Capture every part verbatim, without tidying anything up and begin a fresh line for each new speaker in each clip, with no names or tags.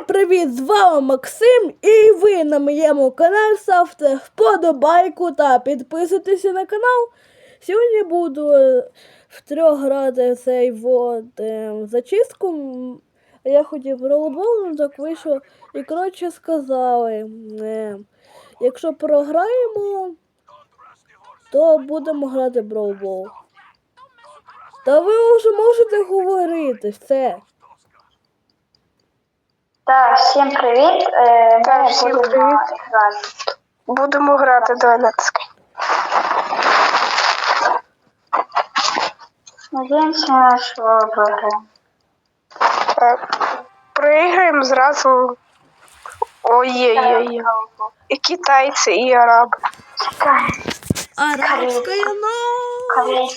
Всім привіт! З вами Максим, і ви на моєму каналі. Ставте вподобайку та підписуйтесь на канал. Сьогодні буду в трьох грати цей вот е, зачистку. Я хотів роллбол, ну так вийшло. І коротше сказали, е, якщо програємо, то будемо грати в роллбол. Та ви вже можете говорити, все.
Так, всім привіт. Е,
Так,
ми
всім
будемо
привіт.
грати.
Будемо грати, давай натискай.
Надіємося, що виграємо.
Так. Проіграємо зразу. Ой-ой-ой. І китайці, і араби.
Чекай,
Арабська ночь.
колись.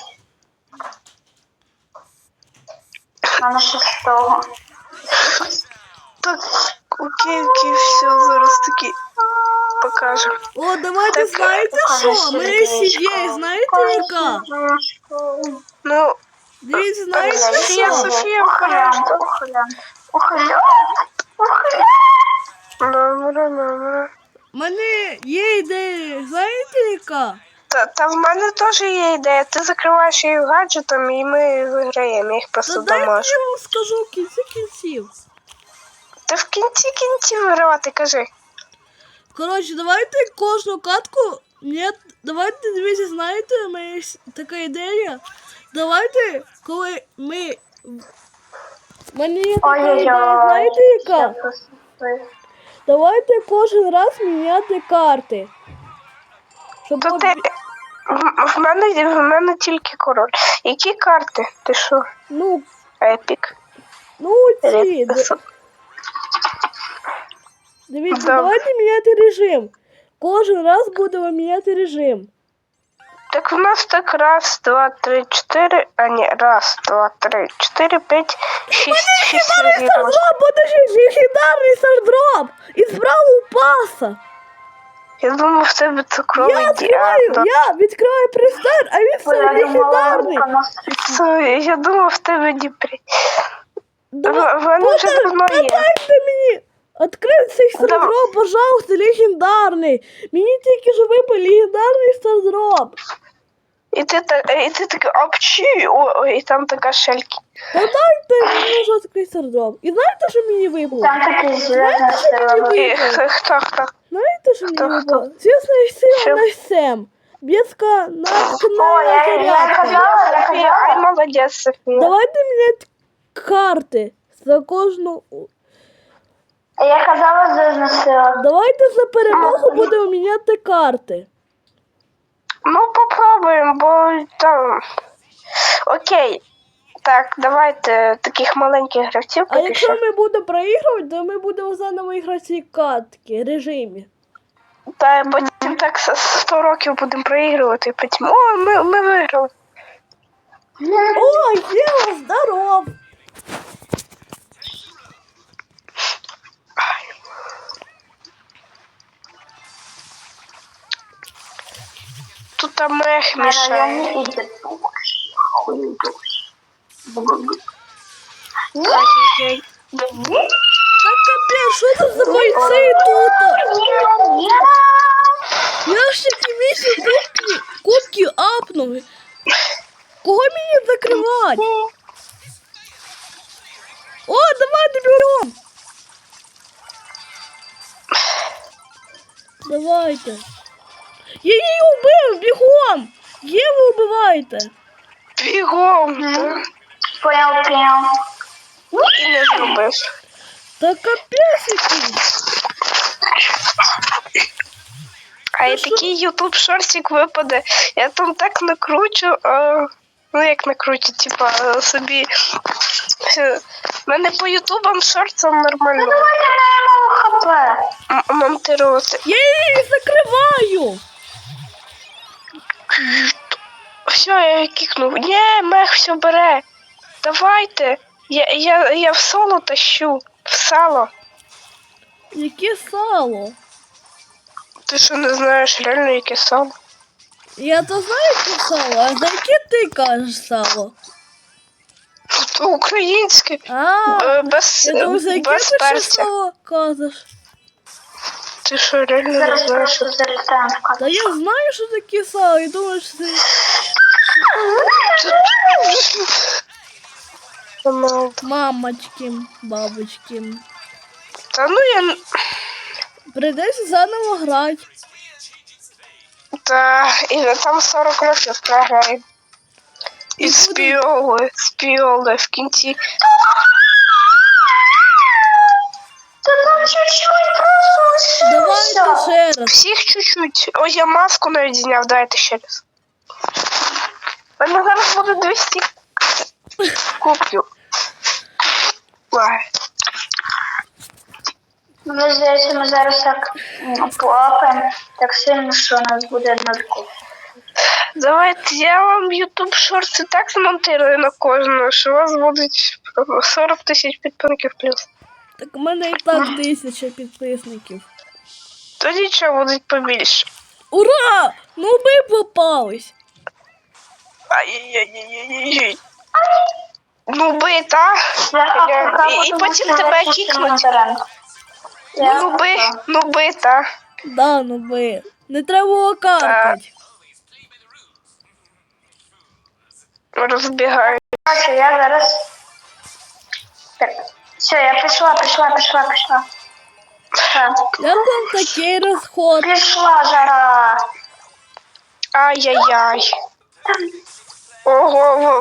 Мене шестого.
Так, окей, окей, все, зараз таки покажемо.
О, давайте,
Так,
знаєте
покажи
що? Ми
сердечко.
сиділи, знаєте яка?
Ну,
Дивіться, знаєте
Софія,
що?
Софія,
Ухилянт,
обережно.
ухилянт, ухилянт, ухилянт.
Добре, добре.
У мене є ідея, знаєте яка?
Та, та в мене теж є ідея. Ти закриваєш її гаджетом і ми виграємо. Я їх
Та
просто
дайте
дамажу.
я вам скажу в кінці кінців.
Ти в кінці кінці вигравати, кажи.
Коротше, давайте кожну катку. Ні, давайте, дивіться, знаєте, у мене є така ідея. Давайте, коли ми. У мене є така
Ой-ой-ой.
ідея, знаєте яка?
Я просто-
Давайте кожен раз міняти карти. Щоб
То
от-
ти... В, в, мене, в мене тільки король. Які карти? Ти що?
Ну,
Епік.
ну ці. д-
Репс.
Дивіться,
Добре.
давайте міняти режим. Кожен раз будемо міняти режим.
Так в нас так раз, два, три, чотири. А ні, раз, два, три, чотири, п'ять, шість, шість разів.
Стардроп, буде ж легендарний стардроп! Із бравл паса!
Я думав, в тебе цукровий
Я відкриваю,
діабет.
я відкриваю престар, а він все
Ой, я думала,
легендарний!
вона просто-
Це- Я думав, в тебе діпрі.
Давай,
В мене вже
подай-
давно є.
подайте мені! Открив цей стардроп, пожалуйста, легендарний! Мені тільки що випав легендарний стардроп!
І ти, так- і ти такий апчі, о, о, і там така шельки.
Та дайте мені вже відкрити стардроп. І знаєте, що мені випало?
Там такий зв'язаний сила.
І х- хто, хто?
Знаєте, що мені
Хто,
випало? Звісна сила
Що?
на сем. Бєска на
О, я, я
зарядка.
казала, я
Софія, ай,
казала.
молодець, Софія.
Давайте міняти карти за кожну.
Я казала зв'язна сила.
Давайте за перемогу будемо міняти карти.
Ну, попробуємо, бо там. Окей. Так, давайте таких маленьких гравців
А
поки
якщо
що.
ми будемо проігрувати, то ми будемо заново іграти ці катки, режимі.
Та потім так с- сто років будемо проігрувати, потім. О, ми, ми виграли.
О, Єва, здоров!
Тут там мех
Мене
мішає.
не йде.
Ай-яй-яй.
Так капець, що це за бойці тут? Я ж такі місяці кубки, кубки апнули. Кого мені закривати? О, давайте берем! Давайте. Я її убив, бігом! Єву убивайте!
Бігом. та.
Понял, понял.
І не зробив.
Та капець який!
А і такий ютуб шортик випаде. Я там так накручу. А... Ну як накручу, типа собі. У мене по ютубам шортам нормально
Давайте граємо в ХП.
м- монтувати.
Я її закриваю!
Все, я її кікнув. Ні, мех все бере. Давайте. Я, я, я в соло тащу. В сало.
Яке сало?
Ти що не знаєш реально яке сало?
Я то знаю, яке сало, а за яке ти кажеш сало?
Ну, То українське.
А,
Е, Без,
я думаю, за яке
без
ти ще
перця.
слово кажеш?
Ти що, реально не
Зараз
знаєш? що
просто залітаємо в кадр.
Та я знаю, що таке сало, і думаю, що це...
Роналдо.
Мамочки, бабочки.
Та ну я... н-
Прийдеться заново грати.
Та, і ви там сорок років програємо. І
І
з
буде-
піоли, з піоли в кінці.
Та там чуть-чуть просто
Давайте
лишилося.
ще раз.
Всіх чуть-чуть. Ой, я маску навіть зняв, дайте ще раз. У мене зараз буде двісті. Куплю. Ой.
Мені здається, ми зараз так м, поапаємо так сильно, що у нас буде нуль.
Давайте я вам YouTube шорти так змонтирую на кожного, що у вас будуть сорок тисяч підписників плюс.
Так у мене і так тисяча підписників.
То нічого будуть побільше.
Ура! Ну ми попались.
Ай-яй-яй-яй-яй. Ну би, та.
Я поки
І, і
буду
потім
мусити
тебе
чистити
кікнуть.
моторем. Я
Ну би,
поки.
ну би, та.
Да, ну би. Не треба було каркать.
Розбігаю.
Бачу, я зараз. Так. Все, я пішла, пішла, пішла, пішла. Все.
Я там такий розход.
Пішла жара.
Ай-яй-яй. Ого,